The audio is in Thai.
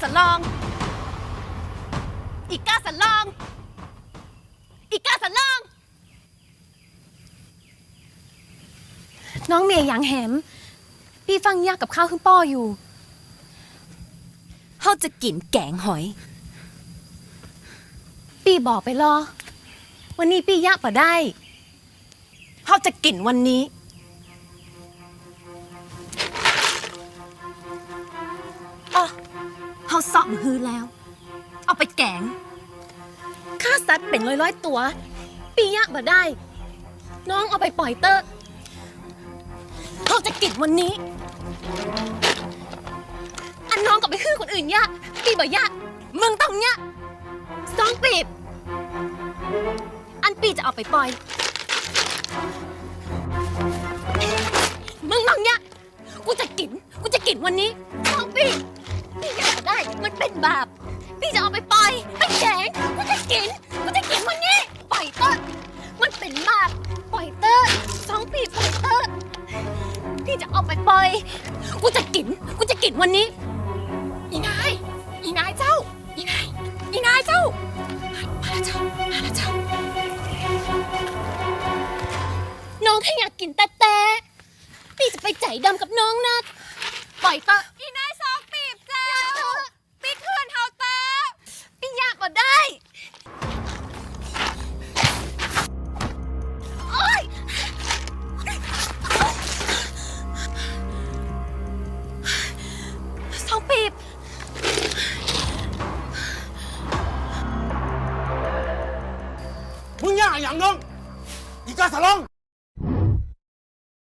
สลองอีกาสลองอีกาสลองน้องเมย์ยังแหมพี่ฟังยากกับข้าวขึ้นป้ออยู่เขาจะกินแกงหอยพี่บอกไปรอวันนี้พี่ยากป่ะได้เขาจะกินวันนี้อ๋อเขาสอบฮือแล้วเอาไปแกงฆ่าสัตว์เป็นร้อยตัวพี่ยากป่ะได้น้องเอาไปปล่อยเตอร์เขาจะกินวันนี้อันน้องก็ไปฮือคนอื่นยะพี่บ่ยะมึงต้องยะสองปีบอันปีจะเอาไปปล่อยมึงต้องยะกูจะกินวันนี้สองปีบพี่อยากได้มันเป็นบาปพี่จะเอาไปปล่อยไปแกงกูจะกินวันนี้ปล่อยเตอร์มันเป็นบาปปล่อยเตอร์สองปีปล่อยเตอร์พี่จะเอาไปปล่อยกูจะกินวันนี้อีนายเจ้าอีนายเจ้ามาแล้วเจ้าน้องแค่อยากกินแต่พี่จะไปใจดำกับน้องนะปล่อยเตออีนายสองปีบเจ้าปีคืนเฮาเตอพี่อยากก็ได้